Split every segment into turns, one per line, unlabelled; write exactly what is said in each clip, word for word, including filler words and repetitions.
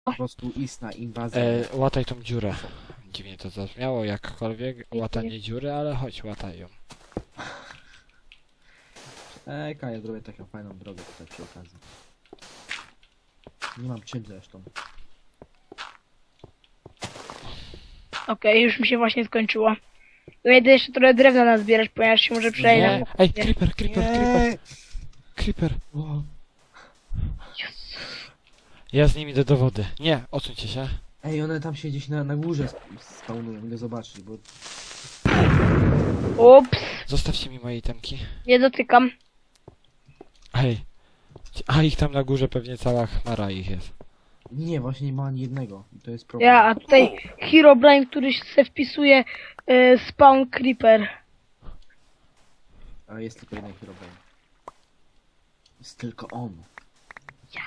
po prostu istna inwazja.
E, łataj tą dziurę. Dziwnie to zabrzmiało, jakkolwiek łatanie dziury, ale chodź, łataj ją.
Eka, ja zrobię taką fajną drogę tutaj przy okazji. Nie mam czym zresztą.
Okej, już mi się właśnie skończyło. Ja idę jeszcze trochę drewna nazbierać, ponieważ się może przejść
Nie,
na...
ej, creeper, creeper, creeper, creeper.
O,
Ja z nimi idę do wody. Nie, odsuńcie się.
ej, one tam się gdzieś na, na górze sp- spawnują, idę zobaczyć, bo...
Ups,
Zostawcie mi moje itemki.
nie dotykam.
Ej. A ich tam na górze pewnie cała chmara ich jest.
Nie, właśnie nie ma ani jednego. I to jest problem.
Ja, a tutaj Herobrine, który se wpisuje y, spawn creeper.
Ale jest tylko jeden Herobrine. Jest tylko on. Ja.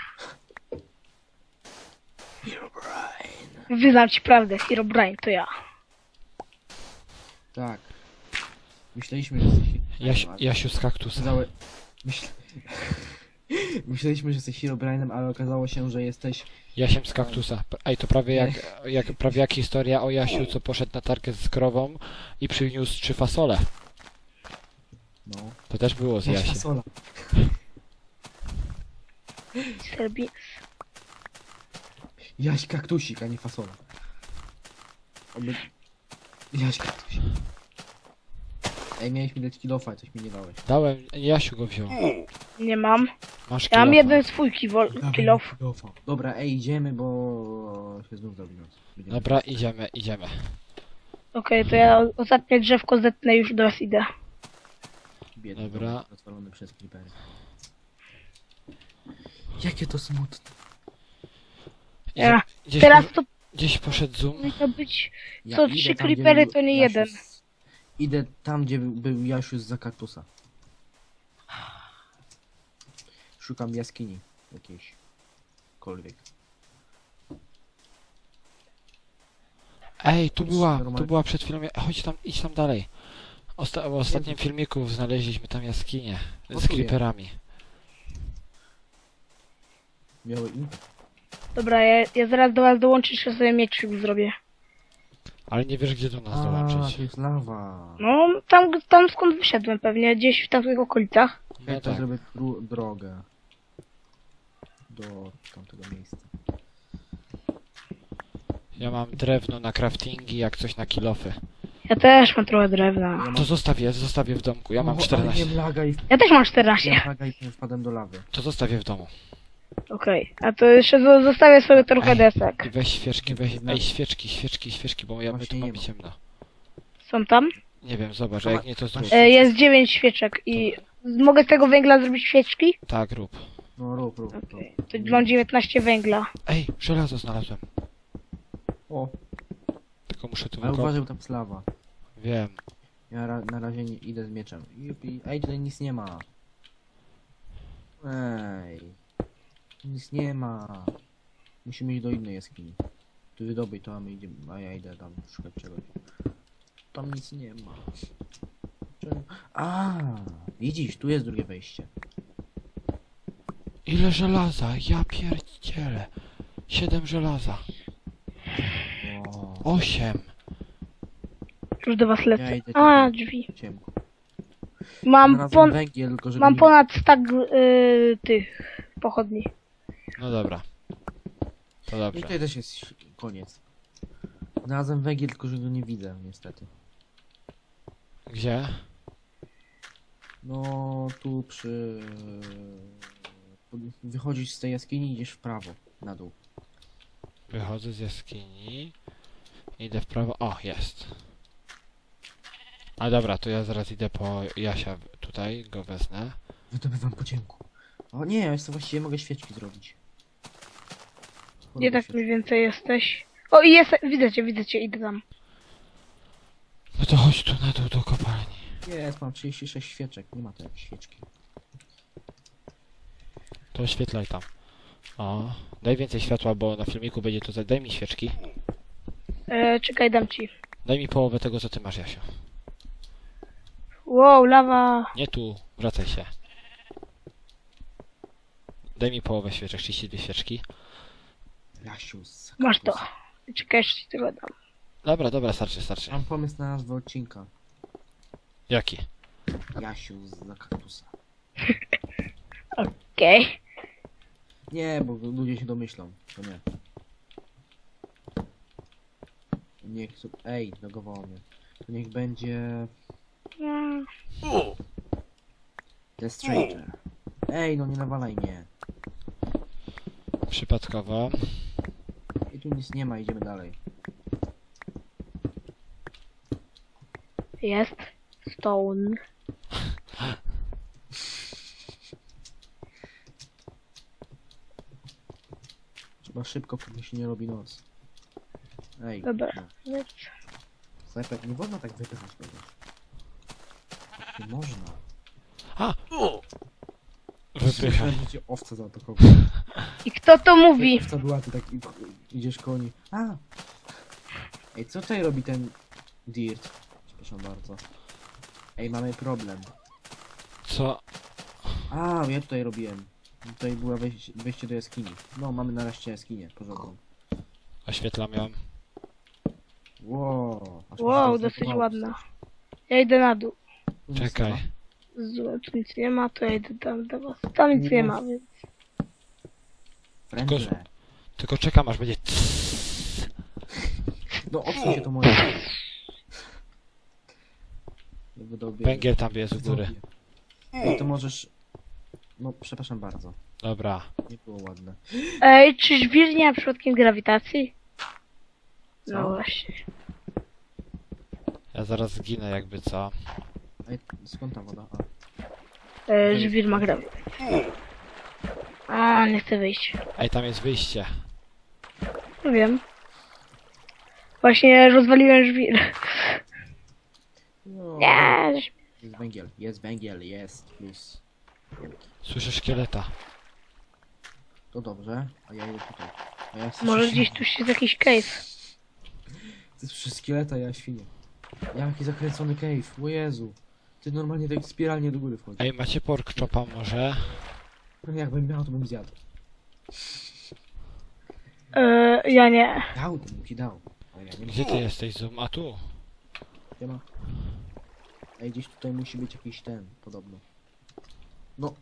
Herobrine.
Wyznam ci prawdę, Herobrine to ja.
Tak. Myśleliśmy, że jesteś...
Jaś, Jasiu z kaktusa.
Okazało... Myśl... Myśleliśmy, że jesteś Herobrine'em, ale okazało się, że jesteś...
Jasiem z kaktusa. Ej, to prawie jak, jak, prawie jak historia o Jasiu, co poszedł na targę z krową i przyniósł trzy fasole.
No.
To też było z
Jaś
Jasiem.
fasola.
Serbi...
Jaś kaktusik, a nie fasola. Oby... Jaś kaktusik. Ej, miałeś mi dać kilofa, coś mi nie dałeś.
Dałem, Jasiu go wziął.
Nie mam.
Masz
Ja mam
kilofa.
jeden swój kiwol, kill off.
Kilofa. Dobra, ej, idziemy, bo się znów zrobi noc. Będziemy-
Dobra, idziemy, idziemy.
Okej, to ja ostatnie drzewko zetnę, już do was idę.
Biedny
Dobra.
dom rozwalony przez creepery. Jakie to smutne.
Ja.
Gdzieś,
Teraz
po,
to
gdzieś poszedł zoom.
powinno być...
Ja
Co,
idę
trzy
tam, gdzie
creepery
był
to nie
Jasiu
jeden.
z- Idę tam, gdzie był- był Jasiu za kaktusa. Szukam jaskini jakiejś. Kolwiek.
Ej, tu
Chodź,
była, tu
normalnie.
była przed chwilą. Chodź tam, idź tam dalej. Osta w ostatnim filmiku znaleźliśmy tam jaskinię
O,
z
tu jest.
creeperami.
Miały impet.
Dobra, ja, ja zaraz do was dołączę, że sobie mieczyk zrobię.
Ale nie wiesz, gdzie do nas
A,
dołączyć.
to jest lawa.
No, tam, tam skąd wyszedłem pewnie, gdzieś w tamtych okolicach.
No
Ja to
tak.
zrobię dru- drogę. Do tamtego miejsca.
Ja mam drewno na craftingi, jak coś na kilofy.
Ja też mam trochę drewna.
Ja mam...
To zostawię, zostawię w domku. Ja mam
O, ale
czternaście.
nie laga i...
Ja też mam
Ja
czternaście.
laga i wpadłem do lawy.
To zostawię w domu.
Okej, a to jeszcze zo- zostawię sobie trochę
Ej,
desek.
I weź świeczki, weź. Ej, świeczki, świeczki, świeczki, bo ja my tu
Właśnie nie
mamy
ma.
ciemno.
Są tam?
Nie wiem, zobacz, a jak nie to zrób.
E, jest dziewięć świeczek i... Mogę z tego węgla zrobić świeczki?
Tak, rób.
No rób, rób, rób.
Okej, to mam dziewiętnaście węgla.
Ej, żelazo znalazłem.
O,
Tylko muszę tu
ale
wykop...
uważaj, bo tam jest lawa.
Wiem.
Ja ra na razie nie idę z mieczem. Jupi. Ej, tutaj nic nie ma. Ej. Nic nie ma. Musimy iść do innej jaskini. Tu wydobyj to, a my idziemy, a ja idę tam szukać czegoś. Tam nic nie ma. Czemu? A, widzisz, tu jest drugie wejście.
Ile żelaza? Ja pierdzielę. Siedem żelaza.
O,
Osiem.
Już do was
ja
lecę.
idę
A,
tam
drzwi.
w ciemku.
Mam,
Znalazłem
pon
węgiel, tylko żeby
mam
nie-
ponad stak y, tych pochodni.
No dobra. To
I
dobrze.
tutaj też jest koniec. Znalazłem węgiel, tylko że go nie widzę, niestety.
Gdzie?
No, tu przy... Wychodzisz z tej jaskini i idziesz w prawo, na dół.
Wychodzę z jaskini. Idę w prawo. O, jest. A dobra, to ja zaraz idę po Jasia. Tutaj go wezmę.
Wydobywam po ciemku. O nie, ja jeszcze właściwie mogę świeczki zrobić.
Gdzie
Robię
tak mniej więcej jesteś? O, i jest, widzę cię, widzę cię, idę tam.
No to chodź tu na dół do kopalni.
świeczki. Jest, mam trzydzieści sześć świeczek, nie ma to jak świeczki.
To oświetlaj tam. O, daj więcej światła, bo na filmiku będzie to za... Daj mi świeczki.
E, czekaj, dam ci.
Daj mi połowę tego, co ty masz, Jasio.
Wow, lawa.
Nie tu, wracaj się. Daj mi połowę świeczek, trzydzieści dwie świeczki.
Jasiu, z
Masz to.
kaktusa.
Czekaj, jeszcze ci tego dam.
Dobra, dobra, starczy, starczy.
Mam pomysł na nazwę odcinka.
Jaki?
Jasiu z kaktusa.
Okej.
Nie, bo ludzie się domyślą. To nie. Niech... Ej, logowało mnie. To niech będzie...
Mm,
The Stranger. Ej, no nie nawalaj mnie.
Przypadkowo.
I tu nic nie ma, idziemy dalej.
Jest. Stone.
Trzeba szybko, póki się nie robi noc. Ej,
Dobra.
no. Snajper, nie wolno tak wypychać kogoś. Nie można.
A! Wypychaj.
Myślałem, że cię owca zaatakował.
I kto to mówi?
Owca była, ty tak i- idziesz koło niej. A! Ej, co tutaj robi ten Dirt? Przepraszam bardzo. Ej, mamy problem.
Co?
A, ja tutaj robiłem. Tutaj była wejście, wejście do jaskini. No, mamy nareszcie jaskinię porządną.
Oświetlam ją.
Wow, aż mi się
Wow,
to
dosyć
zdenerwowało.
ładna. Ja idę na dół.
Tu nic
Czekaj.
nie ma.
Z- Tu nic nie ma, to ja idę tam do was. Tam nic nie ma, więc...
Frędzle.
Tylko czekam aż będzie.
No, odsuń się to moje. Nie wydobię.
Węgiel tam jest u góry.
No to możesz... No, przepraszam bardzo.
Dobra.
Nie było ładne.
Ej, czy żwir nie ma przypadkiem grawitacji? No
Co?
właśnie.
Ja zaraz zginę jakby co.
Ej, skąd ta woda? A.
E, żwir ma grawitację. A, nie chcę wyjść.
Ej, tam jest wyjście.
No wiem. Właśnie rozwaliłem żwir.
No,
Nie,
jest węgiel, jest węgiel, jest plus.
Słyszę szkieleta.
To dobrze, a ja idę tutaj. A ja chcę
może
świnię.
gdzieś tu jest jakiś cave.
Ty słyszysz szkieleta, ja świnię. Ja jaki zakręcony cave, o Jezu. Ty normalnie tak spiralnie do góry wchodzi.
Ej, macie pork chopa może?
No jakbym miał, to bym zjadł.
E, ja nie.
Dał, to bym ci dał. Ale ja nie
Gdzie
mam.
ty jesteś, Zoom? A tu.
Nie ma. Ej, gdzieś tutaj musi być jakiś ten, podobno. No.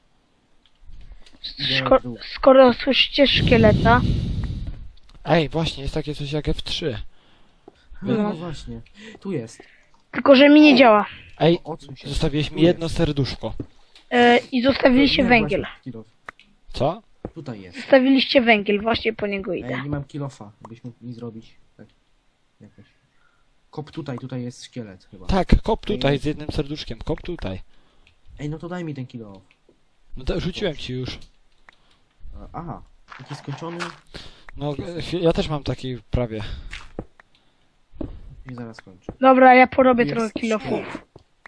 Idę
Szko
w dół.
skoro słyszycie szkieleta,
Ej, właśnie, jest takie coś jak F trzy.
No,
No.
no właśnie. Tu jest.
tylko że mi nie działa.
Ej,
Odsuń się.
zostawiłeś
Tu
mi
jest.
jedno serduszko.
E, I zostawiliście
Nie,
węgiel.
właśnie, kilof.
Co?
Tutaj jest.
Zostawiliście węgiel, właśnie po niego
Ej,
idę.
nie mam kilofa, byś mógł mi zrobić. Tak. Jakoś. Kop tutaj, tutaj jest szkielet chyba.
Tak, kop tutaj z jednym serduszkiem, kop tutaj.
Ej, no to daj mi ten kilof.
No to rzuciłem ci już.
A, Aha, taki skończony
No, e, chwil- ja też mam taki prawie.
i zaraz kończę.
Dobra, ja porobię
Jest
trochę kilofów.
szkielet.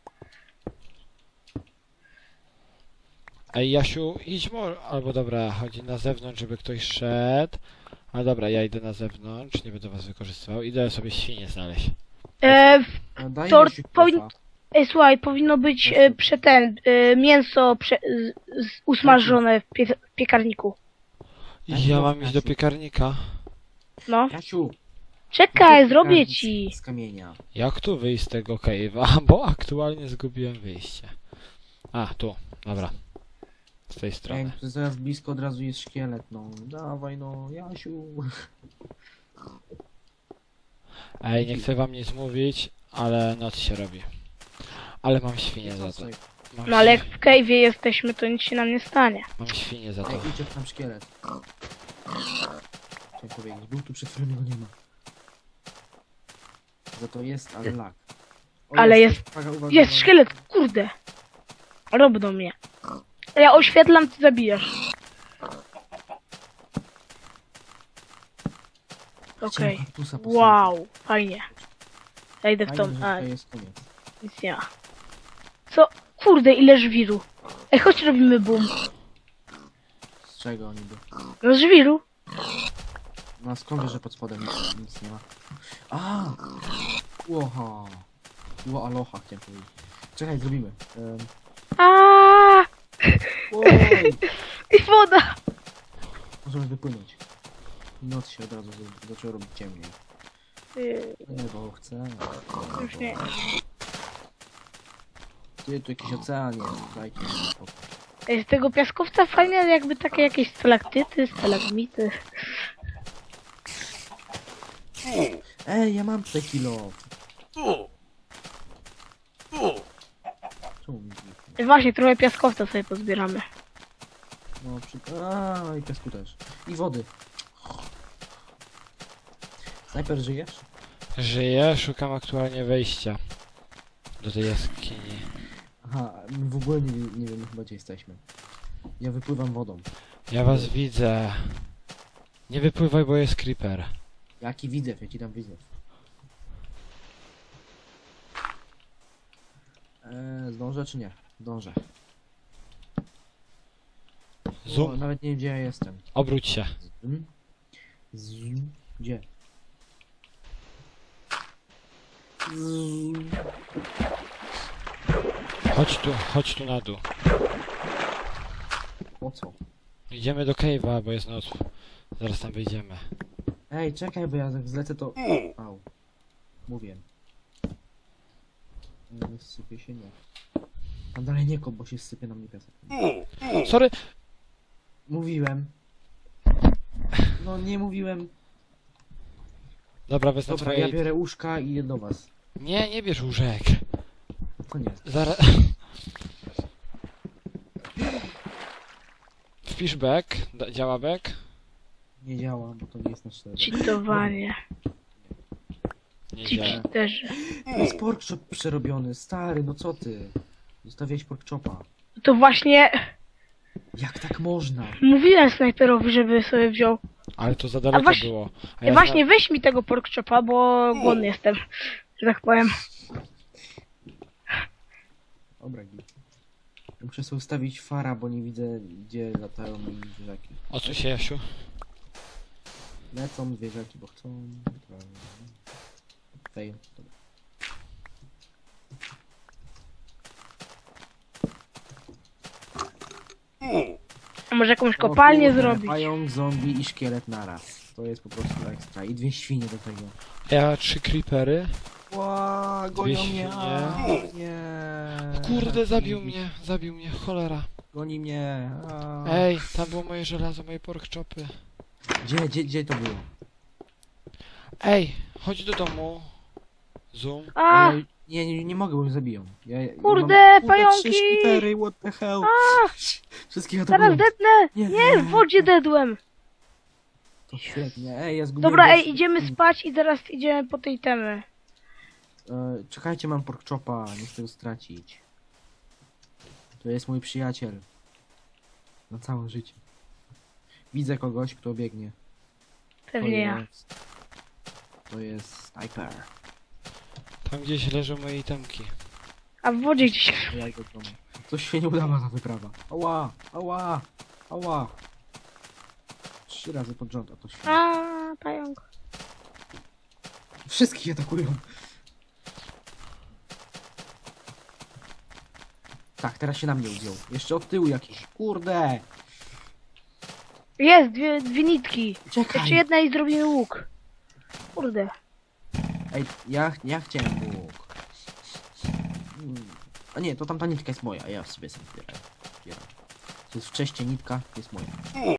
Ej, Jasiu, idź może... Albo dobra, chodzi na zewnątrz, żeby ktoś szedł. A dobra, ja idę na zewnątrz, nie będę was wykorzystywał. Idę sobie świnie znaleźć.
E,
A daj
To
mi się
powin-
kilofa.
ej, słuchaj, powinno być e, prze ten, e, mięso prze, z, z, usmażone w, pie w piekarniku.
Jasiu,
Ja mam iść do
Jasiu.
piekarnika.
No.
Jasiu!
Czekaj,
no to
zrobię
z-
ci.
Z kamienia.
Jak tu wyjść z tego cave'a? Bo aktualnie zgubiłem wyjście. A, tu, dobra. Z tej
Ej,
strony.
to zaraz blisko od razu jest szkielet, no. Dawaj no, Jasiu.
Ej, nie chcę wam nic mówić, ale noc się robi. Ale mam świnię za to. Mam,
No ale jak
świ-
w cave'ie jesteśmy, to nic się nam nie stanie.
mam świnię za to.
Ej, idzie tam szkielet. Chciałem powiedzieć, był tu przed chwilą, go nie ma. Że to jest, ale lag. O,
Ale jest-
uwaga, uwaga,
Jest
uwaga.
szkielet, kurde. Rob do mnie. Ja oświetlam, ty zabijasz. Okej.
Chciałem kaktusa posadzić.
Wow, fajnie. Ja idę w
Fajnie,
tą...
że
A,
tutaj jest koniec.
nic nie ma. Co? Kurde, ile żwiru. Ej, chodź robimy boom.
Z czego oni by?
No żwiru.
No a skąd wiesz, że pod spodem nic, nic nie ma? A! Łoha! Ło aloha chciałem powiedzieć. Czekaj, zrobimy. Um,
A,
oj!
I woda.
Możemy wypłynąć. Noc się od razu z- zaczęło robić ciemniej.
Yy,
Nie, bo chcę.
już nie.
Ty, tu jakiś ocean jest, dajcie mi spokój.
Ej, z tego piaskowca fajne jakby takie jakieś stalaktyty, stalagmity.
Ej, ja mam tutaj kilo. Czemu mi zniknął?
Ej, właśnie, trochę piaskowca sobie pozbieramy.
No, przy... A, i piasku też. I wody. Snajper, żyjesz?
Żyję, szukam aktualnie wejścia do tej jaskini.
Aha, my w ogóle nie, nie wiemy chyba gdzie jesteśmy. Ja wypływam wodą.
Ja was widzę. Nie wypływaj, bo jest creeper.
Jaki widzew, ja ci dam widzew. Eee, zdążę czy nie? Zdążę. O,
Zoom,
nawet nie wiem gdzie ja jestem.
obróć się.
Zoom. Zoom. Gdzie? Zoom.
Chodź tu, chodź tu na dół.
Po co?
Idziemy do cave'a, bo jest noc. Zaraz tam wyjdziemy.
Ej, czekaj, bo ja jak zlecę to... Au. Mówię. Eee, sypie się nie. Tam dalej nie kop, bo się sypie na mnie piasek.
Sorry!
Mówiłem. No nie mówiłem.
Dobra, wezmę
Dobra, ja
twoje...
biorę łóżka i idę do was.
Nie, nie bierz łóżek.
To nie.
Zaraz... Wpisz back. Da- Działa back?
Nie działa, bo to nie jest na cztery.
Cheatowanie.
Nie
Ci
działa.
cheaterzy.
To jest pork chop przerobiony, stary, no co ty? Zostawiałeś pork chopa.
To właśnie
Jak tak można?
mówiłem snajperowi, żeby sobie wziął.
Ale to za daleko
właśnie-
było. A
Ej,
ja
właśnie
zna-
weź mi tego pork chopa, bo głodny jestem. Że tak powiem.
Dobra, git. Muszę sobie ustawić fara, bo nie widzę gdzie latają mi zwierzaki.
Odsuń się, Jasiu.
Lecą zwierzaki, bo chcą. Fail. Dobra.
A może jakąś
O
kopalnię
kurde,
zrobić?
Pająk, zombie i szkielet naraz. To jest po prostu ekstra. I dwie świnie do tego.
Ja trzy creepery.
Ła,
Dwie
gonią mnie.
świnie.
A, nie.
Kurde, zabił mnie, zabił mnie, cholera.
Goni mnie. A.
Ej, tam było moje żelazo, moje pork chopy.
Gdzie, gdzie, gdzie to było?
Ej, chodź do domu. Zoom.
A,
Ja, nie, nie, nie mogę, bo mnie zabiją. Ja, ja
Kurde,
mam,
pająki!
Trzy szkipery, what the hell? Wszystkich
zaraz
atakują.
dednę!
Nie.
Nie, w wodzie dedłem.
To świetnie. Ej, ja zgubiłem...
Dobra,
gości-
ej, idziemy spać i zaraz idziemy po tej temy.
E, czekajcie, mam pork chopa, nie chcę go stracić. To jest mój przyjaciel. Na całe życie. Widzę kogoś, kto biegnie. To
Pewnie ja.
jest... To jest sniper.
Tam gdzieś leżą moje itemki.
A w wodzie gdzieś.
Ja idę do domu. Coś się nie udała ta wyprawa. Ała, ała, ała. Trzy razy pod rząd, a to świetnie.
A, pająk.
Wszystkich atakują. Tak, teraz się na mnie udział. Jeszcze od tyłu jakiś. Kurde!
Jest, dwie, dwie nitki.
Czekaj!
Jeszcze jedna i zrobimy łuk. Kurde.
Ej, ja, ja chciałem łuk. Hmm. A nie, to tamta nitka jest moja, ja sobie sam zbieram. Zbieram. To jest wcześniej nitka, to jest moja.